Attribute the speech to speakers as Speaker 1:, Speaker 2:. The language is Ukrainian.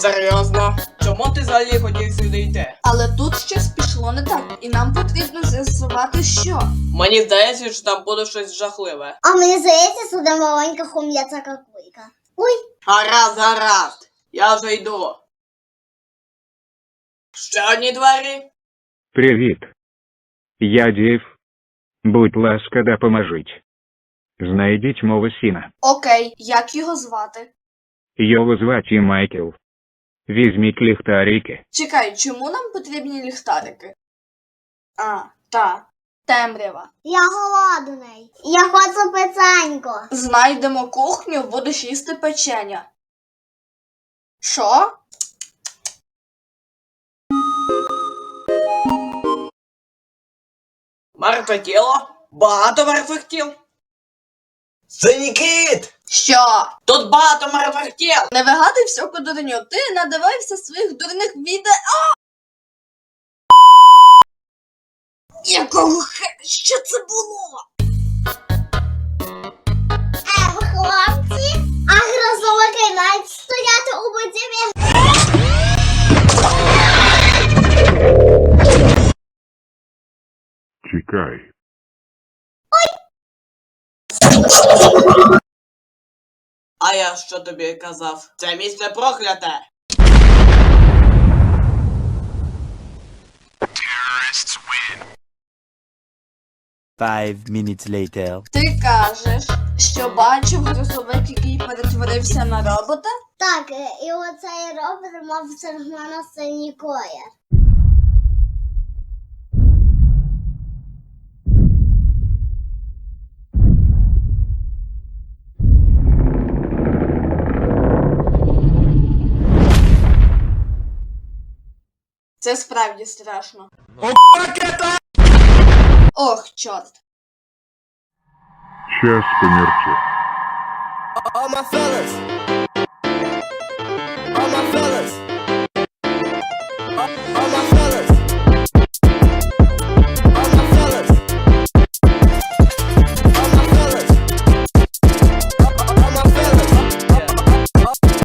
Speaker 1: Серйозно? Чому ти взагалі хотів сюди йти?
Speaker 2: Але тут щось пішло не так, і нам потрібно з'ясувати, що.
Speaker 1: Мені здається, що там буде щось жахливе.
Speaker 3: А мені здається, сюди маленька хом'яча какулька. Ой,
Speaker 1: Гаразд. Я вже йду. Ще одні двері?
Speaker 4: Привіт. Я Дів. Будь ласка, допоможіть. Знайдіть мого сина.
Speaker 2: Окей, як його звати?
Speaker 4: Його звати Майкл. Візьміть ліхтарики.
Speaker 2: Чекай, чому нам потрібні ліхтарики? Темрява.
Speaker 3: я голодний. Я хочу печенько.
Speaker 2: Знайдемо кухню, будеш їсти печення. Що?
Speaker 1: Мертве тіло? Багато мертвих тіл?
Speaker 5: Це Нікіт!
Speaker 1: Що? Тут багато мертвих тіл!
Speaker 2: Не вигадуй всяку дурню, ти надивився своїх дурних відео. Якого що це було?
Speaker 3: Хлопці, а грозовики навіть стояти у будівлі.
Speaker 4: Чекай.
Speaker 1: А я що тобі казав? Це місце прокляте!
Speaker 6: Five minutes later.
Speaker 2: Ти кажеш, що бачив грузовик, який перетворився на робота?
Speaker 3: Так, і оцей робот мав червоно-синій колір.
Speaker 2: Це справді страшно. Ох, чорт.
Speaker 4: Час померти.
Speaker 5: All my fellas,